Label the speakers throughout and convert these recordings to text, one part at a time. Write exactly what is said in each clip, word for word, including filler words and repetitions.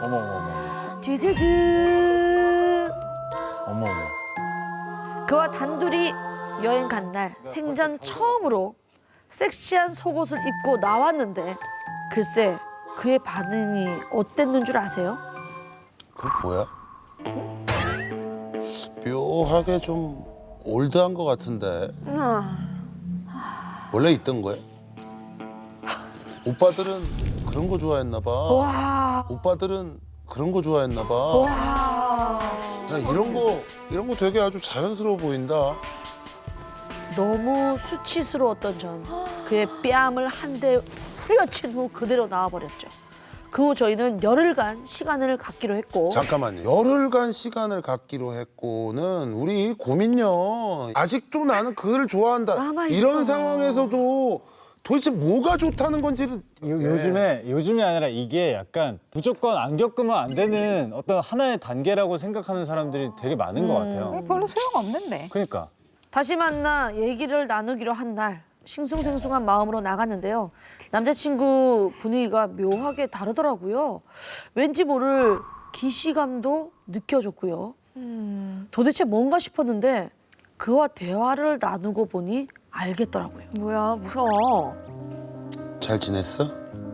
Speaker 1: 어머 어머 어머.
Speaker 2: 즈즈즈.
Speaker 1: 어머 어머.
Speaker 2: 그와 단둘이 여행 간 날 생전 처음으로 섹시한 속옷을 입고 나왔는데 글쎄 그의 반응이 어땠는 줄 아세요?
Speaker 3: 그거 뭐야? 묘하게 좀 올드한 것 같은데. 원래 있던 거야? 오빠들은 그런 거 좋아했나 봐.
Speaker 2: 와.
Speaker 3: 오빠들은 그런 거 좋아했나 봐.
Speaker 2: 와.
Speaker 3: 야, 이런 거 이런 거 되게 아주 자연스러워 보인다.
Speaker 2: 너무 수치스러웠던 전 그의 뺨을 한 대 후려친 후 그대로 나와버렸죠. 그 후 저희는 열흘간 시간을 갖기로 했고
Speaker 3: 잠깐만요. 열흘간 시간을 갖기로 했고는 우리 고민요. 아직도 나는 그를 좋아한다.
Speaker 2: 남아있어.
Speaker 3: 이런 상황에서도 도대체 뭐가 좋다는 건지를
Speaker 1: 요, 요즘에 요즘이 아니라 이게 약간 무조건 안 겪으면 안 되는 어떤 하나의 단계라고 생각하는 사람들이 되게 많은 것 같아요.
Speaker 4: 별로 소용없는데.
Speaker 1: 그러니까.
Speaker 2: 다시 만나 얘기를 나누기로 한 날 싱숭생숭한 마음으로 나갔는데요. 남자친구 분위기가 묘하게 다르더라고요. 왠지 모를 기시감도 느껴졌고요. 도대체 뭔가 싶었는데 그와 대화를 나누고 보니 알겠더라고요.
Speaker 4: 뭐야, 무서워.
Speaker 3: 잘 지냈어?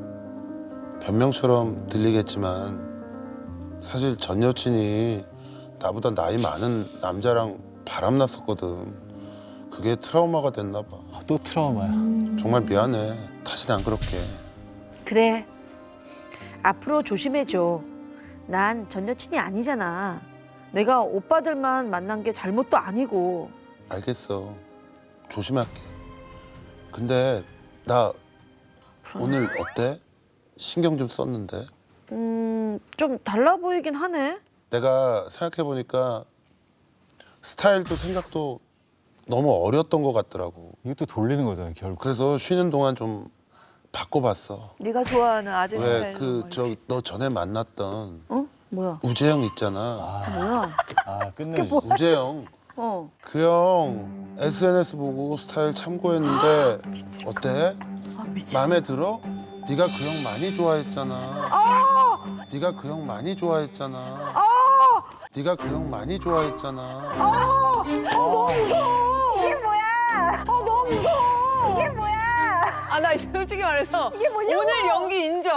Speaker 3: 변명처럼 들리겠지만 사실 전 여친이 나보다 나이 많은 남자랑 바람났었거든. 그게 트라우마가 됐나 봐.
Speaker 1: 아, 또 트라우마야.
Speaker 3: 정말 미안해. 다시는 안 그럴게.
Speaker 2: 그래. 앞으로 조심해줘. 난 전 여친이 아니잖아. 내가 오빠들만 만난 게 잘못도 아니고.
Speaker 3: 알겠어. 조심할게. 근데 나 오늘 어때? 신경 좀 썼는데.
Speaker 2: 음, 좀 달라 보이긴 하네.
Speaker 3: 내가 생각해보니까 스타일도 생각도 너무 어렸던 것 같더라고.
Speaker 1: 이것도 돌리는 거잖아요, 결국.
Speaker 3: 그래서 쉬는 동안 좀 바꿔봤어.
Speaker 4: 네가 좋아하는 아재
Speaker 3: 왜
Speaker 4: 스타일.
Speaker 3: 그 저 너 전에 만났던
Speaker 2: 어? 뭐야?
Speaker 3: 우재영 있잖아.
Speaker 2: 뭐야?
Speaker 1: 아, 끝내주지.
Speaker 3: 우재영.
Speaker 2: 어.
Speaker 3: 그 형 에스엔에스 보고 스타일 참고했는데 어때?
Speaker 2: 아, 미친.
Speaker 3: 마음에 들어? 네가 그 형 많이 좋아했잖아.
Speaker 2: 아!
Speaker 3: 네가 그 형 많이 좋아했잖아.
Speaker 2: 아!
Speaker 3: 네가 그 형 많이 좋아했잖아.
Speaker 2: 아! 아, 너무 무서워.
Speaker 4: 이게 뭐야?
Speaker 2: 아, 너무 무서워.
Speaker 4: 이게 뭐야?
Speaker 5: 아, 나 솔직히 말해서
Speaker 4: 이게 뭐냐고.
Speaker 5: 오늘 연기 인정.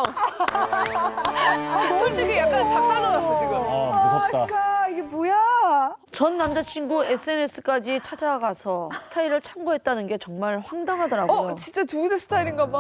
Speaker 5: 솔직히 약간 닭살 돋았어, 지금.
Speaker 1: 아, 무섭다.
Speaker 4: 아, 이게 뭐야?
Speaker 2: 전 남자친구 에스엔에스까지 찾아가서 스타일을 참고했다는 게 정말 황당하더라고요.
Speaker 5: 어, 진짜 주우재 스타일인가 봐.